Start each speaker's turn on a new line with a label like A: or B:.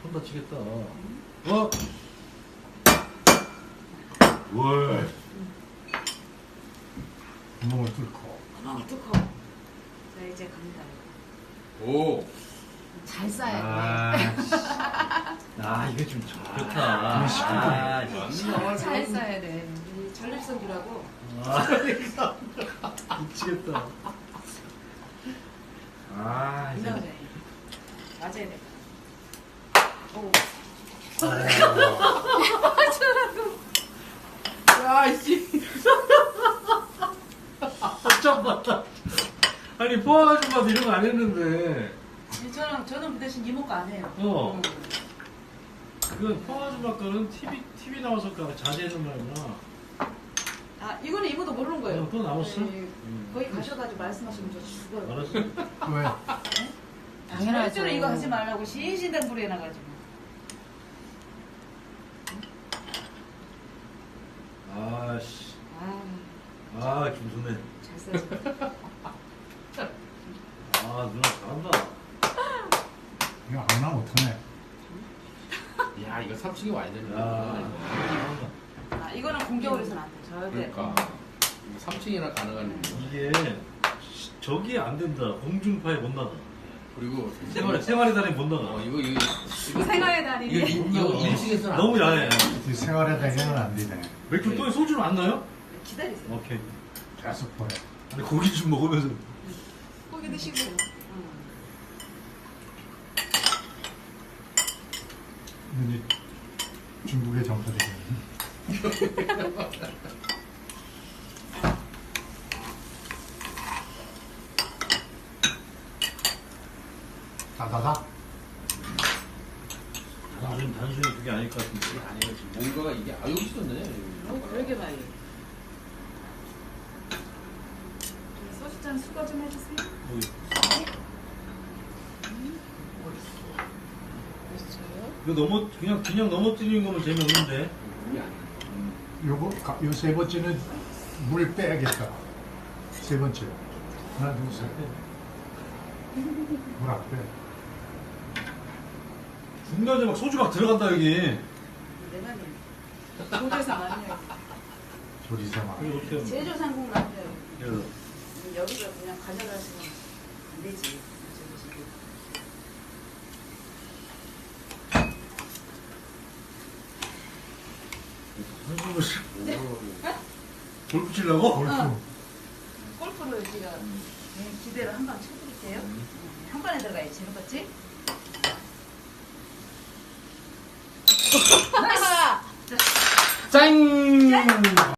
A: 손 다치겠다. 어? 월.
B: 구멍을 뚫고.
C: 구멍을 뚫고. 자, 이제 갑니다.
D: 오.
C: 잘 싸야 돼.
A: 이게 좀 좋다.
C: 잘 싸야 돼. 이 전립선주라고.
A: 미치겠다. 이제.
C: 이제 맞아야 돼. 오.
A: 야, 씨. 잠깐만. 아니, 포화 아줌마도 이런 거 안 했는데.
C: 저는 그 대신 이모가 안 해요.
A: 그건 포화 아줌마 거는 TV 나와서 자제해놓은 말이구나.
C: 아, 이거는 이모도 모르는 거예요.
A: 또 남았어?
C: 네, 거기 가셔가지고 말씀하시면 저 죽어요.
A: 알았어.
B: 왜?
C: 당연하죠. 절대로 이거 하지 말라고 신신당 불에 나가지고.
A: 아씨. 김선혜.
C: 잘 써야죠.
A: 누나 잘한다.
B: 이거 안 나면 어떡하네.
D: 야, 이거 3층이 와야 되는데.
A: 잘한다.
C: 이거는 공격을 해서는 안 돼. 절대.
D: 그러니까. 3층이나 가능한.
A: 이게 저기 안 된다. 공중파에 못 나가.
D: 그리고
A: 생활의 달에 못 나가.
D: 이거
C: 생활의 달인이.
D: 이거 1층에서는
A: 너무 야해.
B: 이 생활에 대해서는 안 되네.
A: 맥주 또 소주는 안 나요?
C: 기다리세요.
A: 오케이.
B: 계속 보내.
A: 아니 고기 좀 먹으면서.
C: 고기 드시고.
B: 이제 중국의 정서적인. 다다다.
A: 단순히 그게 아닐 것 같은데.
D: 아니에요. 지금 뭔가가 이게 여기 있었네.
C: 그러게 말이에요. 소주잔 수거 좀 해주세요.
A: 이거 그냥 넘어뜨리는 거면 재미없는데.
B: 요 세 번째는 물 빼야겠다. 세 번째. 하나, 둘, 셋. 물 안 빼.
A: 중간에 막 소주 막 들어간다 여기.
C: 내 말이에요. 조제상 아니에요.
B: 조리사마.
A: 이거 어떻게 하면?
C: 제조상국 아니에요.
A: 그래서
C: 여기서 그냥 가져가시면 안 되지.
A: 한숨을 쉬. 골프 치려고?
B: 골프.
C: 골프를 제가 기대로 한 방 쳐드릴게요. 한 번에 들어가야지. 재밌겠지?
D: 짠!